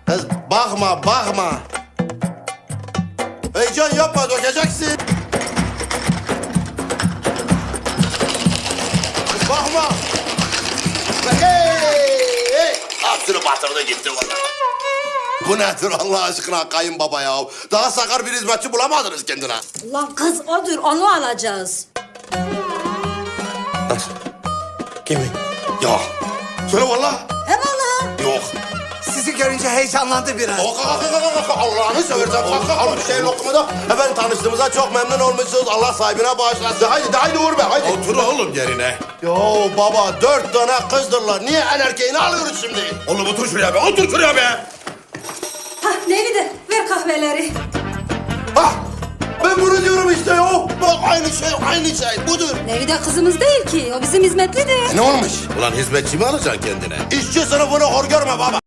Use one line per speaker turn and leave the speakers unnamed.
Kız bakma bakma. Heyecan yapma dökeceksin. Kız bakma. Hey! Hepsini batırdı gitti valla. Bu nedir Allah aşkına kayınbaba ya? Daha sakar bir hizmetçi bulamadınız kendine.
Lan kız odur, onu alacağız.
Nasıl? Kimi? Yok. Söyle valla.
Eyvallah.
Yok.
Sizi görünce heyecanlandı biraz.
Kalk. Allah'ını seversen kalk. Al bir şey lokumu da. Efendim tanıştığımıza çok memnun olmuşsunuz. Allah sahibine bağışlasın. Haydi Uğur Bey haydi.
Otur oğlum yerine.
Yo baba 4 tane kızdırlar. Niye en erkeğini alıyoruz şimdi?
Oğlum otur şuraya be, otur şuraya be.
Hah Nevide, ver kahveleri.
Hah! Ben bunu diyorum işte ya. Bak aynı şey budur.
Nevide kızımız değil ki, o bizim hizmetlidir.
Ne olmuş?
Ulan hizmetçi mi alacaksın kendine?
İşçi sınıfını hor görme baba.